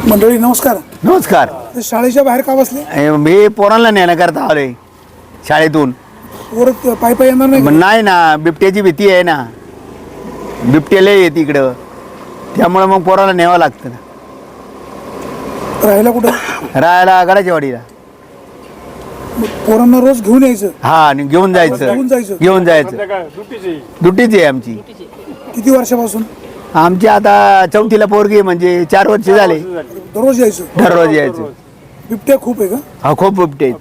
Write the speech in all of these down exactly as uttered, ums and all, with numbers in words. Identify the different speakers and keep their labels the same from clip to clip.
Speaker 1: मंडळी नमस्कार.
Speaker 2: नमस्कार.
Speaker 1: शाळेच्या बाहेर का बसले?
Speaker 2: मी पोरांना नेण्याकरता आलोय शाळेतून.
Speaker 1: परत पाय पाय येणार नाही?
Speaker 2: नाही ना, बिबट्याची भीती आहे ना, बिबट्याला येते इकडं, त्यामुळे मग पोराला न्यावं लागतं ना.
Speaker 1: राहायला कुठं?
Speaker 2: राहायला गडाच्या वाडीला.
Speaker 1: पोरांना रोज घेऊन यायचं?
Speaker 2: हा, आणि घेऊन जायचं
Speaker 1: घेऊन जायचं
Speaker 2: घेऊन जायचं ड्युटीच आहे आमची.
Speaker 1: किती वर्षापासून?
Speaker 2: आमची आता चौथीला पोरगी, म्हणजे चार वर्ष झाले.
Speaker 1: दररोज यायचं?
Speaker 2: दररोज यायचं.
Speaker 1: बिबट्या खूप आहे का?
Speaker 2: हा, खूप बिबटे आहेत.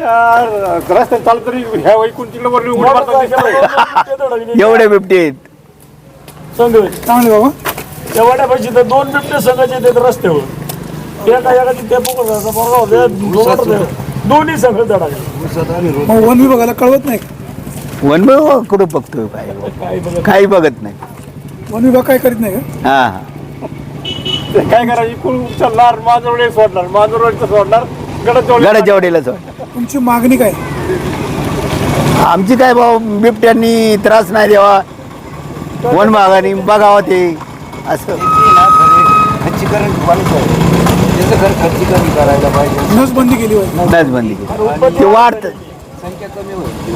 Speaker 2: एवढे बिबटे आहेत.
Speaker 1: चांगले बाबा.
Speaker 3: त्या वाड्यापाशी तर दोन बिबटे संघाचे येतात रस्त्यावर. त्या काय एखादी त्या पोकळ दोन्ही संघ धडाकले.
Speaker 1: मग वन विभागाला कळवत नाही?
Speaker 2: वन विभाग कुठं बघतोय? काय काही बघत नाही.
Speaker 1: वन विभाग काय करीत नाही का?
Speaker 2: हा हा,
Speaker 3: काय करायची कुल उचलणार, मांजरवडे सोडणार, मांजरवडचं सोडणार,
Speaker 2: गडाच्या वाडीला सोड.
Speaker 1: तुमची मागणी काय?
Speaker 2: आमची काय भाऊ, बिबट्यांनी त्रास नाही द्यावा, वन विभागाने बघावं ते असं.
Speaker 4: खच्चीकरण त्याचं घर खच्चीकरण करायला पाहिजे.
Speaker 1: नसबंदी केली पाहिजे.
Speaker 2: नसबंदी केली ते वाढतं.
Speaker 4: संख्या कमी होईल.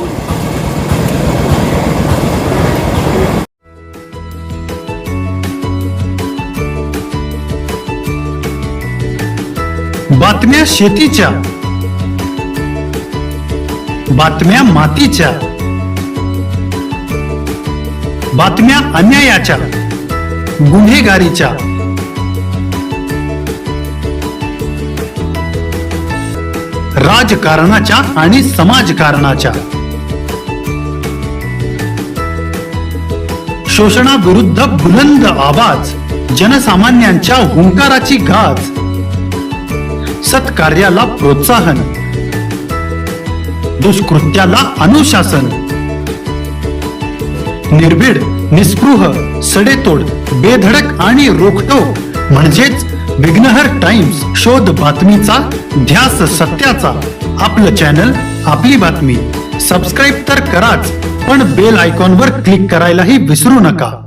Speaker 5: बातम्या शेतीच्या, बातम्या मातीच्या, बातम्या अन्यायाच्या, गुन्हेगारीच्या, राजकारणाच्या आणि समाजकारणाच्या, शोषणाविरुद्ध बुलंद आवाज, जनसामान्यांच्या हुंकाराची गाज, सत्कार्याला प्रोत्साहन, दुष्कृत्याला अनुशासन, निर्भीड, निस्पृह, सडेतोड, बेधडक आणि रोखटोक म्हणजेच विघ्नहर टाइम्स. शोध बातमीचा, ध्यास सत्याचा. आपलं चॅनल, आपली बातमी. सबस्क्राईब तर कराच, पण बेल आयकॉनवर क्लिक करायलाही विसरू नका.